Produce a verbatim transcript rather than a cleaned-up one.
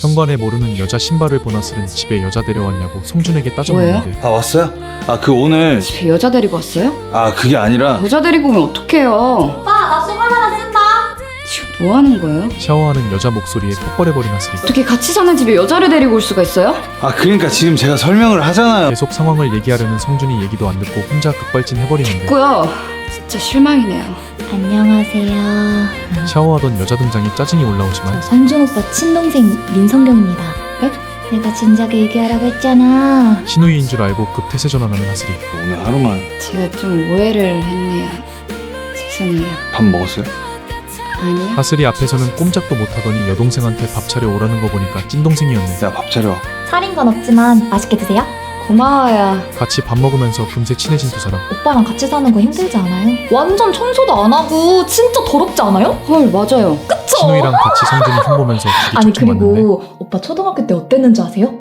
현관에 모르는 여자 신발을 본 하슬은 집에 여자 데려왔냐고 성준에게 따져묻는데 아 왔어요? 아 그 오늘 집에 여자 데리고 왔어요? 아 그게 아니라 여자 데리고 오면 어떡해요? 오빠 나 신발 하나 쓴다. 지금 뭐 하는 거예요? 샤워하는 여자 목소리에 퍽벌해버린 하슬이 어떻게 같이 사는 집에 여자를 데리고 올 수가 있어요? 아 그러니까 지금 제가 설명을 하잖아요. 계속 상황을 얘기하려는 성준이 얘기도 안 듣고 혼자 급발진해버리는데 고요. 진짜 실망이네요. 안녕하세요. 샤워하던 여자 등장에 짜증이 올라오지만 성준 오빠 친동생 민성경입니다. 네? 내가 진작에 얘기하라고 했잖아. 신우이인 줄 알고 급 태세 전환하는 하슬이 오늘 하루만 제가 좀 오해를 했네요. 죄송해요. 밥 먹었어요? 아니요? 하슬이 앞에서는 꼼짝도 못하더니 여동생한테 밥 차려 오라는 거 보니까 찐동생이었네. 야 밥 차려. 살인 건 없지만 맛있게 드세요. 고마워요. 같이 밥 먹으면서 금세 친해진 두 사람. 오빠랑 같이 사는 거 힘들지 않아요? 완전 청소도 안 하고 진짜 더럽지 않아요? 헐, 맞아요. 그쵸? 신우이랑 같이 성준이 흉보면서 둘이 아니 척척 맞는데 그리고 오빠 초등학교 때 어땠는지 아세요?